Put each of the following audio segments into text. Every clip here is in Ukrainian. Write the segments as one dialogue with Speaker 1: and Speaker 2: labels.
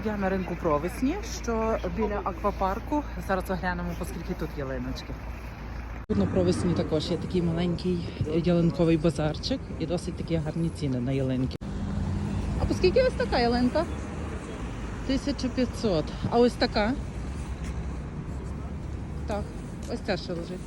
Speaker 1: Я на ринку Провесні, що біля аквапарку. Зараз оглянемо, оскільки тут ялиночки. Тут на Провесні також є такий маленький ялинковий базарчик і досить такі гарні ціни на ялинки. А по скільки ось така ялинка? 1500. А ось така? Так, ось ця що лежить.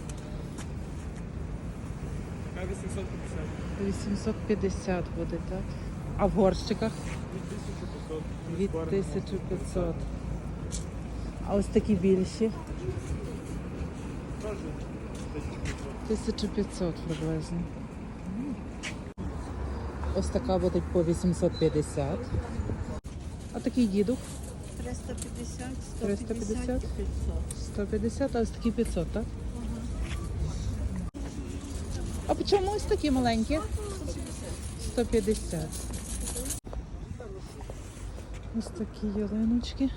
Speaker 2: 850.
Speaker 1: 850 буде, так? А в горщиках?
Speaker 2: Від 1500.
Speaker 1: Від 1500. А ось такі більші? 1500 приблизно. Ось така буде по 850. А такий дідух?
Speaker 3: 350,
Speaker 1: 350?
Speaker 3: 150 і 500.
Speaker 1: 150, а ось такі 500, так? А по чому ось такі маленькі? 150. Ось такі ялиночки.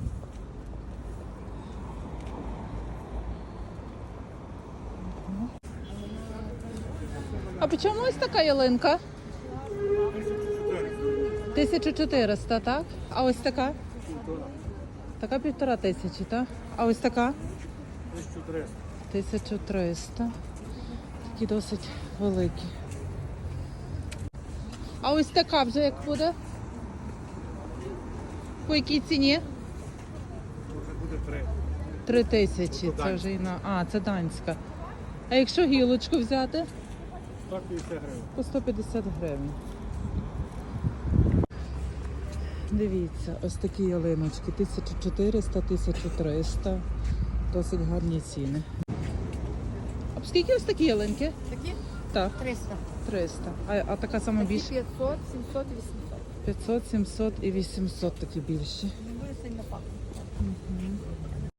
Speaker 1: А по чому ось така ялинка? 1400, так? А ось така? Така 1500, так? А ось така?
Speaker 2: 1300.
Speaker 1: 1300. Такі досить великі. А ось така вже як буде? По якій ціні?
Speaker 2: Буде 3.
Speaker 1: 3000. Це вже і на... А, це данська. А якщо гілочку взяти?
Speaker 2: 150 гривень.
Speaker 1: По 150 гривень. Дивіться, ось такі ялиночки. 1400, 1300. Досить гарні ціни. А по скільки ось такі ялинки?
Speaker 3: Такі?
Speaker 1: Так,
Speaker 3: 300.
Speaker 1: 300. А така сама
Speaker 3: Такі
Speaker 1: більша?
Speaker 3: 500, 700, 800.
Speaker 1: 500, 700 і 800 такі більші.
Speaker 3: Не буде сильно пахнути.